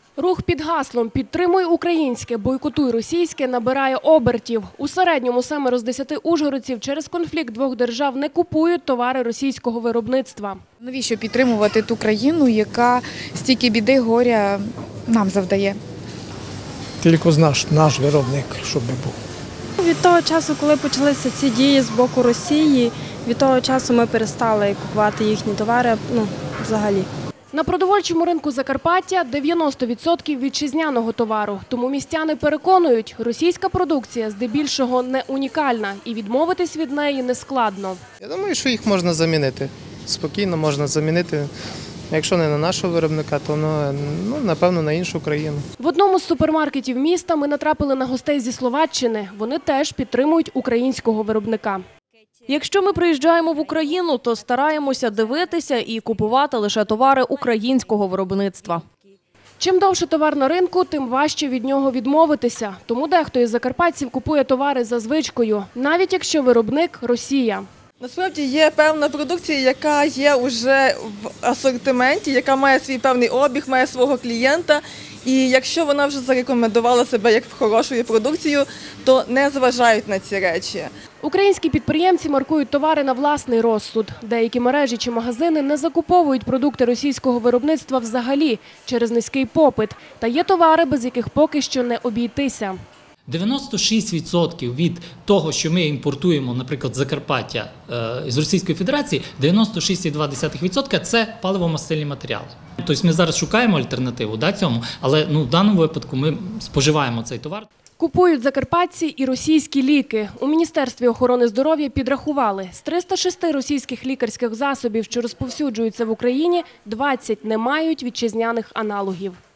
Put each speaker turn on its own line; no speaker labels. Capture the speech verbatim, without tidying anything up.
Рух під гаслом «Підтримуй українське, бойкотуй російське» набирає обертів. У середньому семеро з десяти ужгородців через конфлікт двох держав не купують товари російського виробництва.
Навіщо підтримувати ту країну, яка стільки біди, горя нам завдає?
Тільки наш, наш виробник, щоб був.
Від того часу, коли почалися ці дії з боку Росії, від того часу ми перестали купувати їхні товари, ну, взагалі.
На продовольчому ринку Закарпаття дев'яносто відсотків вітчизняного товару. Тому містяни переконують, російська продукція здебільшого не унікальна і відмовитись від неї нескладно.
Я думаю, що їх можна замінити. Спокійно можна замінити. Якщо не на нашого виробника, то ну, напевно на іншу країну.
В одному з супермаркетів міста ми натрапили на гостей зі Словаччини. Вони теж підтримують українського виробника.
Якщо ми приїжджаємо в Україну, то стараємося дивитися і купувати лише товари українського виробництва.
Чим довше товар на ринку, тим важче від нього відмовитися. Тому дехто із закарпатців купує товари за звичкою, навіть якщо виробник – Росія.
Насправді є певна продукція, яка є вже в асортименті, яка має свій певний обіг, має свого клієнта. І якщо вона вже зарекомендувала себе як хорошою продукцією, то не зважають на ці речі.
Українські підприємці маркують товари на власний розсуд. Деякі мережі чи магазини не закуповують продукти російського виробництва взагалі через низький попит. Та є товари, без яких поки що не обійтися.
дев'яносто шість відсотків від того, що ми імпортуємо, наприклад, з Закарпаття з Російської Федерації, дев'яносто шість цілих дві десятих відсотка – це паливо-мастильні матеріали. Тобто ми зараз шукаємо альтернативу да, цьому, але ну, в даному випадку ми споживаємо цей товар.
Купують закарпатці і російські ліки. У Міністерстві охорони здоров'я підрахували, з триста шести російських лікарських засобів, що розповсюджуються в Україні, двадцять не мають вітчизняних аналогів.